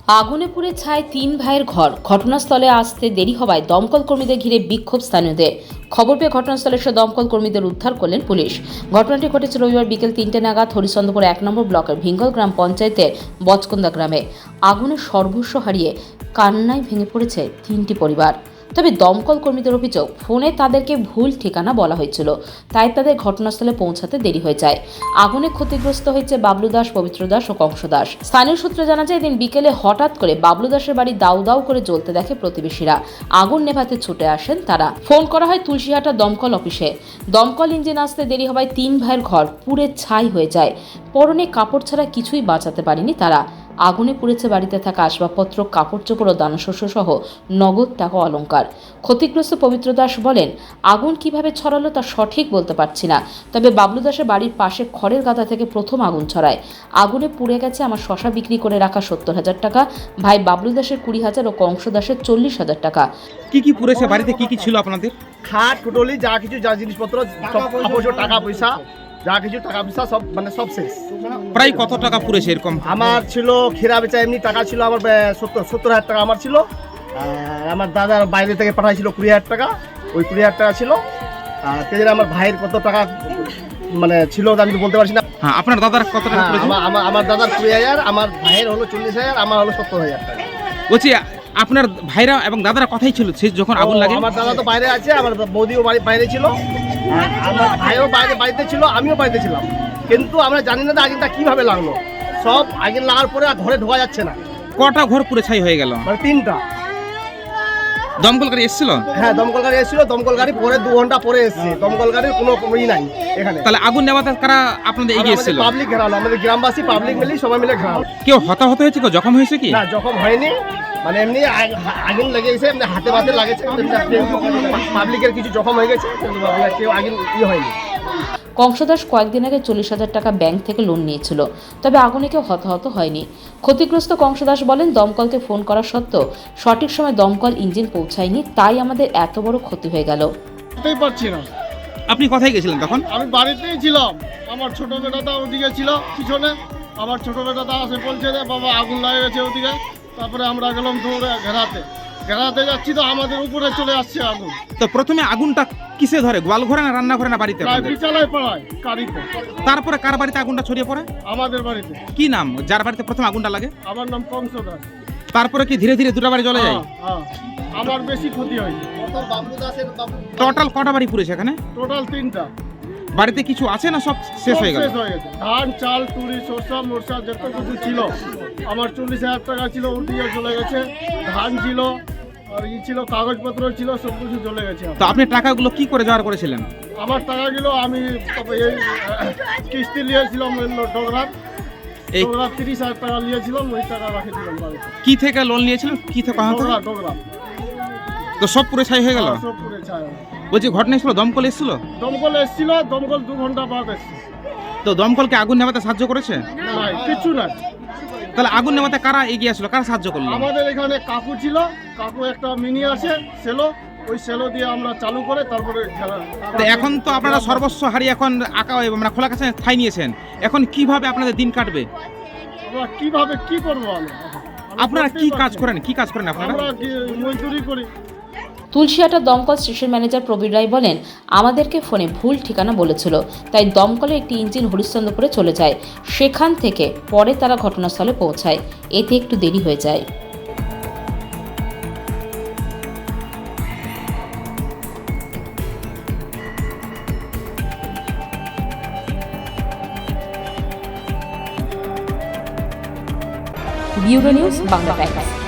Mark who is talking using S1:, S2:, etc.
S1: আগুনে পুড়ে ছাই ৩ ভাইয়ের ঘর। ঘটনাস্থলে আসতে দেরি হওয়ায় দমকল কর্মীদের ঘিরে বিক্ষোভ স্থানীয়দের। খবর পেয়ে ঘটনাস্থলে এসে দমকল কর্মীদের উদ্ধার করলেন পুলিশ। ঘটনাটি ঘটেছে রবিবার বিকেল ৩টে নাগাদ হরিশ্চন্দ্রপুর ১ নম্বর ব্লকের ভিঙ্গল গ্রাম পঞ্চায়েতের বচকন্দা গ্রামে। আগুনে সর্বস্ব হারিয়ে কান্নায় ভেঙে পড়েছে ৩টি পরিবার। তবে দমকল কর্মীদের অভিযোগ, ফোনে তাদেরকে ভুল ঠিকানা বলা হয়েছিল, তাই তাদের ঘটনাস্থলে পৌঁছাতে দেরি হয়ে যায়। আগুনে ক্ষতিগ্রস্ত হয়েছে বাবলু দাস, পবিত্র দাস ও কংস দাস। স্থানীয় সূত্রে জানা যায়, এদিন বিকেলে হঠাৎ করে বাবলু দাসের বাড়ি দাউ দাউ করে জ্বলতে দেখে প্রতিবেশীরা। আগুন নেভাতে ছুটে আসেন তারা। ফোন করা হয় তুলসীহাটা দমকল অফিসে। দমকল ইঞ্জিন আসতে দেরি হওয়ায় ৩ ভাইয়ের ঘর পুড়ে ছাই হয়ে যায়। পরনে কাপড় ছাড়া কিছুই বাঁচাতে পারেনি তারা। আগুনে পুড়েছে বাড়িতে থাকা আসবাবপত্র, কাপড় চোপড় ও দানশস্য সহ নগদ টাকা অলংকার। ক্ষতিগ্রস্ত পবিত্র দাস বলেন, আগুন কিভাবে ছড়ালো তা সঠিক বলতে পারছি না, তবে বাবলু দাসের বাড়ির পাশে খড়ের গাদা থেকে প্রথম আগুন ছড়ায়। আগুনে পুড়ে গেছে আমার শশা বিক্রি করে রাখা ৭০,০০০ টাকা, ভাই বাবলু দাসের ২০,০০০ ও কংস দাসের ৪০,০০০ টাকা।
S2: কি পুড়েছে? বাড়িতে কি ছিল আপনাদের?
S3: খাট, কুটলি, যা কিছু যা জিনিসপত্র, সব টাকা পয়সা, যা কিছু টাকা পয়সা সব সব শেষ।
S2: প্রায় কত টাকা পুড়েছে এরকম?
S3: আমার ছিল খেরা বেচা এমনি টাকা ছিল আমার ৭০,০০০ টাকা আমার ছিল। আমার দাদার বাইরে থেকে পাঠাইছিল ২০,০০০ টাকা, ওই ২০,০০০ টাকা ছিল। আর তেজে আমার ভাইয়ের কত টাকা ছিল আমি তো বলতে পারছি না।
S2: হ্যাঁ, আপনার দাদার কত টাকা পুড়েছে?
S3: আমার দাদার ২০,০০০, আমার ভাইয়ের হলো ৪০,০০০, আমার হলো ৭০,০০০ টাকা।
S2: বলছি, আপনার ভাইরা এবং দাদারা কথাই ছিল সে যখন আগুন লাগে?
S3: আমার দাদা তো বাইরে আছে, আমার বৌদিও বাইরে ছিল, আমার ভাইও বাড়িতে ছিল, আমিও বাড়িতে ছিলাম। কিন্তু আমরা জানি না আগুনটা কিভাবে লাগলো। সব আগুন লাগার পরে আর ঘরে ঢোকা যাচ্ছে না।
S2: কটা ঘর পুড়ে ছাই হয়ে গেল?
S3: মানে ৩টা।
S2: দমকল গাড়ি এসেছিল?
S3: হ্যাঁ, দমকল গাড়ি এসেছিল। দমকল গাড়ি পরে 2 ঘন্টা পরে এসেছে। দমকল গাড়ির কোনো নাই এখানে।
S2: তাহলে আগুন নেভাতে কারা আপনাদের এগিয়ে এসেছিল?
S3: পাবলিক ঘেরালো, আমাদের গ্রামবাসী পাবলিক মিলে সবাই মিলে ঘেরালো।
S2: কেউ হতাহত হয়েছে, কেউ জখম হয়েছে কি?
S3: না, জখম হয়নি। মানে এমনি আগুন লেগেছে, এমনি হাতে পাতে লাগেছে। পাবলিকের কিছু জখম হয়ে গেছে, কেউ আগুন হয়নি।
S1: কংস দাস কয়েকদিন আগে ৪০,০০০ টাকা ব্যাংক থেকে লোন নিয়েছিল, তবে আগুনে কেউ হতাহত হয়নি। ক্ষতিগ্রস্ত কংস দাস বলেন, দমকলকে ফোন করা সত্ত্বেও সঠিক সময় দমকল ইঞ্জিন পৌঁছায়নি, তাই আমাদের এত বড় ক্ষতি হয়ে গেল।
S3: পারছি না।
S2: আপনি কোথায় গেছিলেন তখন?
S3: আমি বাড়িতেই ছিলাম। আমার ছোট বেটাটা ওদিকে ছিল পিছনে। আমার ছোট বেটাটা আসে বলছে যে বাবা আগুন লাগে গেছে ওদিকে। তারপরে আমরা গেলাম দৌড়ে ঘেরাতে যাচ্ছি, তো আমাদের উপরে চলে আসছে আগুন।
S2: তো প্রথমে আগুনটা কিসে ধরে? গোয়াল ঘরে না রান্না ঘরে না বাড়িতে?
S3: বিছানায় পড়ায় কারিতে।
S2: তারপরে কার বাড়িতে আগুনটা ছড়িয়ে পড়ে?
S3: আমাদের বাড়িতে।
S2: কি নাম যার বাড়িতে প্রথম আগুনটা লাগে?
S3: আমার নাম কংস দাস।
S2: তারপরে কি ধীরে ধীরে দুটো বাড়ি জ্বলে যায়?
S3: হ্যাঁ, আমার বেশি ক্ষতি হয়নি।
S2: টোটাল কটা বাড়ি পুড়েছে এখানে?
S3: টোটাল 3টা।
S2: বাড়িতে কিছু আছে না সব শেষ হয়ে গেল?
S3: ধান, চাল, তুরি, শসা, মোরসা যত কিছু ছিল, আমার ৪০,০০০ টাকা ছিল, উঠিয়ে চলে গেছে। ধান ছিল আর ছিল, কাগজপত্র ছিল, সব কিছু চলে গেছে।
S2: তো আপনি টাকাগুলো কি করে জোগাড় করেছিলেন?
S3: আমার টাকাগুলো আমি এই কিস্তি নিয়েছিলাম ডোগরার ৩০,০০০ টাকা নিয়েছিলাম, ওই টাকা রাখেছিলাম বাড়িতে।
S2: কি থেকে লোন নিয়েছিলেন? কি থেকে?
S3: ডোগরা।
S2: তো সব পুরো ছাই হয়ে গেল?
S3: সব পুরো ছাই।
S2: বলছি, ঘটনা ছিল দমকল এসেছিল?
S3: দমকল এসেছিল, দমকল 2 ঘন্টা বাদ এসেছে।
S2: তো দমকলকে আগুন নেভাতে সাহায্য করেছে?
S3: না, কিছু না।
S2: তাহলে আগুন নেভাতে কারা এগিয়ে আসলো, কারা সাহায্য করলো?
S3: আমাদের এখানে কাকু ছিল, কাকু একটা মিনি আছে সেলো, ওই সেলো দিয়ে আমরা চালু করে তারপরে
S2: তো এখন তো আপনারা সর্বস্ব হারিয়ে এখন মানে খোলা কাছে ঠাই নিয়েছেন, এখন কিভাবে আপনাদের দিন কাটবে?
S3: আমরা কিভাবে কি করবো?
S2: আপনারা কি কাজ করেন? আপনারা?
S3: আমরা মজদুরি করি।
S1: তুলসীহাটা দমকল স্টেশন ম্যানেজার প্রবীর রায় বলেন, আমাদেরকে ফোনে ভুল ঠিকানা বলেছিল, তাই দমকলে একটি ইঞ্জিন হরিশ্চন্দ্রপুরে চলে যায়। সেখান থেকে পরে তারা ঘটনাস্থলে পৌঁছায়, এতে একটু দেরি হয়ে যায়। Bureau news, Bangla Times.